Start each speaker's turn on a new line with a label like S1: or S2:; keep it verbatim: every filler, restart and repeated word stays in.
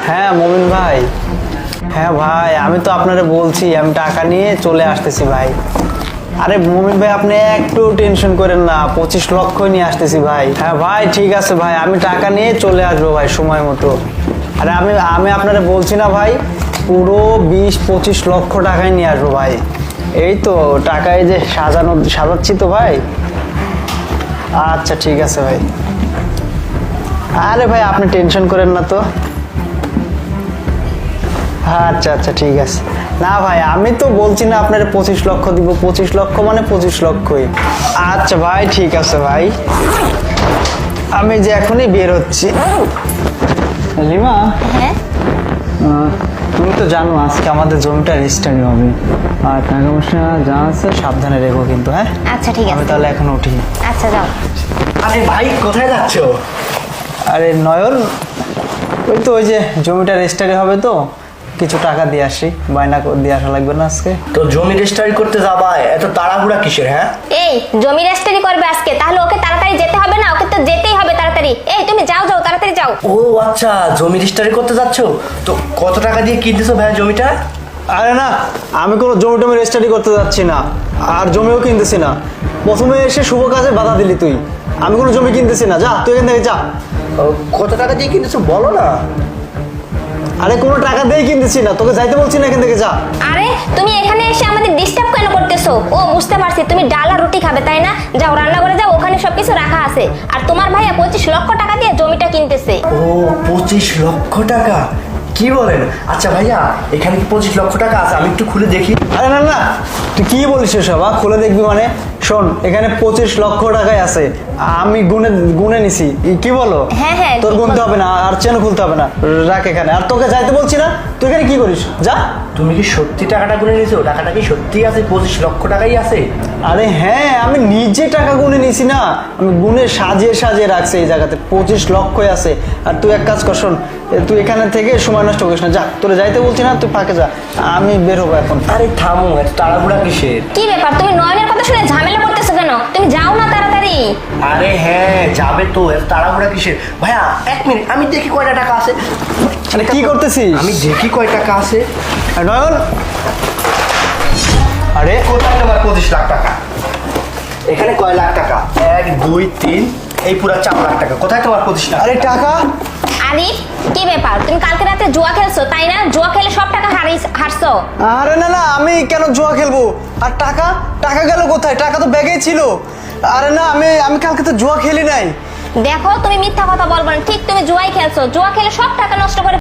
S1: হ্যাঁ মমিন ভাই, হ্যাঁ ভাই আমি তো আপনারে বলছি আমি টাকা নিয়ে চলে আসতেছি ভাই। আরে মমিন ভাই আপনি একটু টেনশন করেন না, পঁচিশ লক্ষ নিয়ে আসতেছি ভাই। হ্যাঁ ভাই ঠিক আছে ভাই, আমি টাকা নিয়ে চলে আসবো ভাই সময় মতো। আরে আমি আমি আপনারে বলছি না ভাই, পুরো বিশ পঁচিশ লক্ষ টাকায় নিয়ে আসবো ভাই। এই তো টাকায় যে সাজানো সাজাচ্ছি তো ভাই। আচ্ছা ঠিক আছে ভাই। আরে ভাই আপনি টেনশন করেন না তো। আচ্ছা আচ্ছা ঠিক আছে। না ভাই আমি তো বলছি না আপনার পঁচিশ লক্ষ দিব, পঁচিশ লক্ষ মানে পঁচিশ লক্ষই। আচ্ছা ভাই ঠিক আছে ভাই, আমি যে এখনই বের হচ্ছি। লিমা,
S2: হ্যাঁ
S1: আহ, তুমি তো জানো আজকে আমাদের জমিটা রেজিস্ট্রি হবে, আর টাকা পয়সা যা আছে সাবধানে রেখো কিন্তু। হ্যাঁ
S2: আচ্ছা ঠিক
S1: আমি
S2: আছে।
S1: তাহলে এখন উঠি।
S2: আচ্ছা যাও।
S3: আরে ভাই কোথায় যাচ্ছ?
S1: আরে নয়ন, ওই তো ওই যে জমিটা রেজিস্ট্রি হবে তো কিছু টাকা দিয়ে আসি, বায়না করে দিয়ে আসা লাগবে না আজকে।
S3: তো জমি রেজিস্ট্রি করতে যাবা, এত তাড়াহুড়া কিসের? হ্যাঁ
S2: এই জমি রেজিস্ট্রি করবে আজকে, তাহলে ওকে তাড়াতাড়ি যেতে হবে না? ওকে তো যেতেই হবে তাড়াতাড়ি। এই তুমি যাও যাও তাড়াতাড়ি যাও।
S3: ও আচ্ছা, জমি রেজিস্ট্রি করতে যাচ্ছ? তো কত টাকা দিয়ে কিনতেছো ভাই জমিটা?
S1: আরে না, আমি কোনো জমি টমি রেজিস্ট্রি করতে যাচ্ছি না, আর জমিও কিনতেছি না। প্রথমে এসে শুভ কাজে বাধা দিলি তুই। আমি কোনো জমি কিনতেছি না, যা তুই এখান থেকে যা।
S3: ও, কত টাকা দিয়ে কিনতেছো বলো না।
S1: আরে কোনো টাকা দিয়েই কিনতেছি না, তোকে যাইতে বলছি না, এখান থেকে যা।
S2: আরে তুমি এখানে এসে আমাদের ডিস্টার্ব কেন করতেছো? ও বুঝতে পারছি, তুমি ডাল আর রুটি খাবে তাই না? যাও রান্না করে যাও, ওখানে সবকিছু রাখা আছে। আর তোমার ভাইয়া পঁচিশ লক্ষ টাকা দিয়ে জমিটা কিনতেছে।
S3: ও পঁচিশ লক্ষ টাকা, কি বলেন? আচ্ছা ভাইয়া, এখানে কি পঁচিশ লক্ষ টাকা আছে? আমি একটু খুলে দেখি।
S1: আরে না না, তুই কি বলিস এসব? আ, খুলে দেখবি মানে? শোন, এখানে পঁচিশ লক্ষ টাকাই আছে, আমি গুনে গুনে নিছি। ই, কি বলো?
S2: হ্যাঁ, হ্যাঁ,
S1: তোর
S2: ঠিক
S1: গুনতে
S2: বলো।
S1: হবে না, আর চেন খুলতে হবে না, রাখ এখানে। আর তোকে যাইতে বলছি না, তুই এখানে কি করিস? যা।
S3: তুমি কি সত্যি টাকাটা গুনে নিয়েছো? টাকাটা কি সত্যি আছে? পঁচিশ লক্ষ টাকাই আছে?
S1: আরে হ্যাঁ, আমি নিজে টাকা গুনে নিছি না, আমি গুনে সাজিয়ে সাজিয়ে রাখছি এই জায়গাতে, পঁচিশ লক্ষই আছে। আর তুই এক কাজ কর, শোন, এ, তুই এখানে থেকে সময় নষ্ট করিস না, যা। তোরে যাইতে বলছি না, তুই ফাঁকে যা, আমি বের হবো এখন।
S3: আরে থামো, এত তাড়াহুড়া কিসের?
S2: কি ব্যাপার, তুমি নয়নের কথা শুনে ঝামেলা করতেছো কেন? তুমি যাও না তাড়াতাড়ি।
S3: আরে হ্যাঁ যাবে তো, এত তাড়াহুড়া কিসের? ভাইয়া এক মিনিট, আমি দেখি কয়টা টাকা আছে।
S1: আরে কি করতেছিস?
S3: আমি দেখি কয় টাকা আছে।
S1: আর নয়ন, আরে
S3: কোথায় তোমার পঁচিশ লাখ টাকা? এখানে কয় লাখ টাকা? এক দুই তিন, এই পুরা চার লাখ টাকা। কোথায় তোমার পঁচিশ লাখ?
S1: আরে টাকা।
S2: আরে কি ব্যাপার, তুমি কালকে রাতে জুয়া খেলছো তাই না? জুয়া খেলে সব টাকা হারিয়ে হারছো।
S1: আরে না না, আমি কেন জুয়া খেলবো? আর টাকা, টাকা গেল কোথায়? টাকা তো ব্যাগেই ছিল। আরে না, আমি আমি কালকে তো জুয়া খেলি নাই।
S2: দেখো তুমি মিথ্যা কথা বলবো না, ঠিক তুমি জুয়াই খেলছো। জুয়া খেলে সব টাকা নষ্ট করে